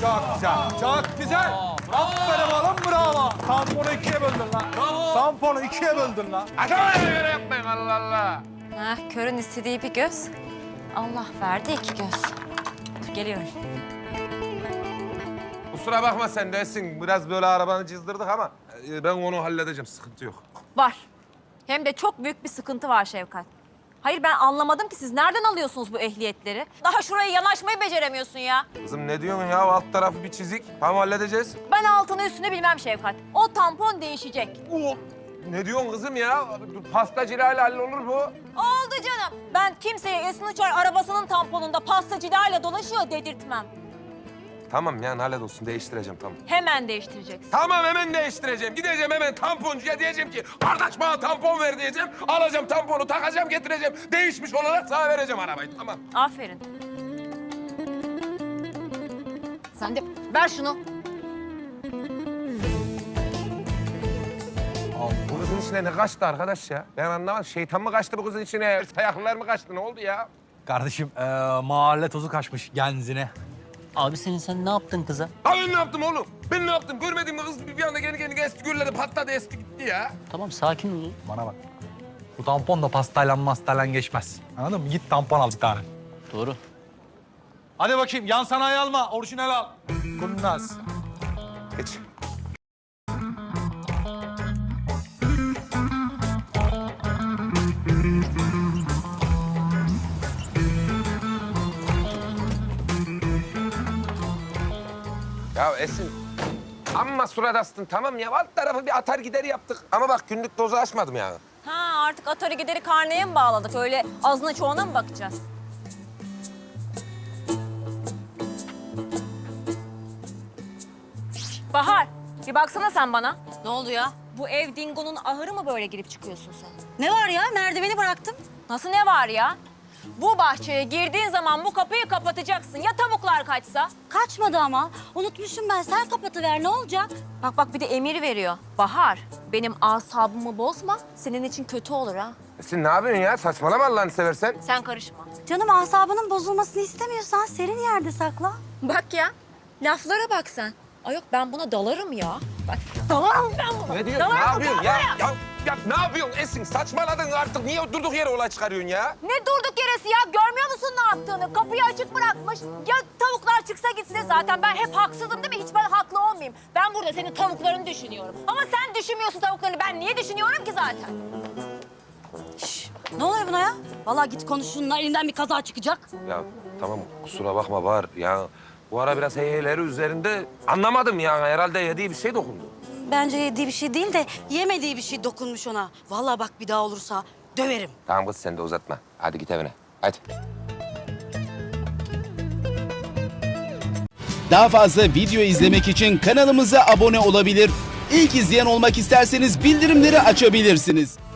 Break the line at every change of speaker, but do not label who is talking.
Çok güzel. Çok güzel. Aferin oğlum, bravo. Tamponu ikiye böldün lan.
Bravo.
Tamponu ikiye böldün lan.
Adam'a göre yapmayın Allah Allah.
Körün istediği bir göz. Allah verdi iki göz. Dur geliyorum.
Kusura bakma sen de Esin. Biraz böyle arabanı çizdirdik ama ben onu halledeceğim. Sıkıntı yok.
Var. Hem de çok büyük bir sıkıntı var Şevkat. Hayır ben anlamadım ki siz nereden alıyorsunuz bu ehliyetleri? Daha şuraya yanaşmayı beceremiyorsun ya.
Kızım ne diyorsun ya? Alt tarafı bir çizik. Tamam halledeceğiz.
Ben altını üstünü bilmem Şevkat. O tampon değişecek.
Ne diyorsun kızım ya? Pastacıyla hallolur bu.
Oldu canım. Ben kimseye Esin Uçar arabasının tamponunda pastacılarla dolaşıyor dedirtmem.
Tamam yani hallolsun. Değiştireceğim tamam.
Hemen değiştireceksin.
Tamam hemen değiştireceğim. Gideceğim hemen tamponcuya diyeceğim ki kardeş bana tampon ver diyeceğim. Alacağım tamponu takacağım getireceğim. Değişmiş olarak sana vereceğim arabayı tamam.
Aferin. Sen de ver şunu.
Bu kızın içine ne kaçtı arkadaş ya? Ben anlamadım. Şeytan mı kaçtı bu kızın içine? Ayaklılar mı kaçtı? Ne oldu ya?
Kardeşim mahalle tozu kaçmış genzine.
Abi sen ne yaptın kıza?
Ha ben ne yaptım oğlum? Ben ne yaptım? Görmedin mi kız bir anda kendi esti gürledi patladı esti gitti ya.
Tamam sakin ol.
Bana bak. Bu tampon da pastayla geçmez. Anladın mı? Git tampon al bir tane.
Doğru.
Hadi bakayım yan sanayi alma. Orijinal al. Kurnaz.
Geç. Ya Esin, amma surat astın tamam ya. Alt tarafı bir atar gideri yaptık. Ama bak günlük dozu aşmadım yani.
Ha artık atarı gideri karneye mi bağladık? Öyle azına çoğuna mı bakacağız? Bahar, bir baksana sen bana.
Ne oldu ya?
Bu ev dingonun ahırı mı böyle girip çıkıyorsun sen?
Ne var ya? Merdiveni bıraktım.
Nasıl ne var ya? Bu bahçeye girdiğin zaman bu kapıyı kapatacaksın. Ya tavuklar kaçsa?
Kaçmadı ama. Unutmuşum ben. Sen kapatıver. Ne olacak?
Bak bir de emir veriyor. Bahar, benim asabımı bozma. Senin için kötü olur ha.
Esin ne yapıyorsun ya? Saçmalama Allah'ını seversen.
Sen karışma.
Canım asabının bozulmasını istemiyorsan serin yerde sakla.
Bak ya, laflara bak sen. Ay yok ben buna dalarım ya. Bak dalarım ben buna.
Ne diyorsun? Ne
Dalarım
yapıyorsun ya? Ya ne yapıyorsun Esin? Saçmaladın artık. Niye durduk yere olay çıkarıyorsun ya?
Ne durduk yeresi ya? Görmüyor musun ne yaptığını? Kapıyı açık bırakmış. Ya tavuklar çıksa gitse zaten ben hep haksızım değil mi? Hiç ben haklı olmayayım. Ben burada senin tavuklarını düşünüyorum. Ama sen düşünmüyorsun tavuklarını. Ben niye düşünüyorum ki zaten?
Şş, ne oluyor buna ya? Vallahi git konuş şununla. Elinden bir kaza çıkacak.
Ya tamam kusura bakma Bahar. Ya bu ara biraz heyheleri üzerinde anlamadım ya. Herhalde yediği bir şey dokundu.
Bence yediği bir şey değil de yemediği bir şey dokunmuş ona. Vallahi bak bir daha olursa döverim.
Tamam kız sen de uzatma. Hadi git evine. Hadi.
Daha fazla video izlemek için kanalımıza abone olabilir. İlk izleyen olmak isterseniz bildirimleri açabilirsiniz.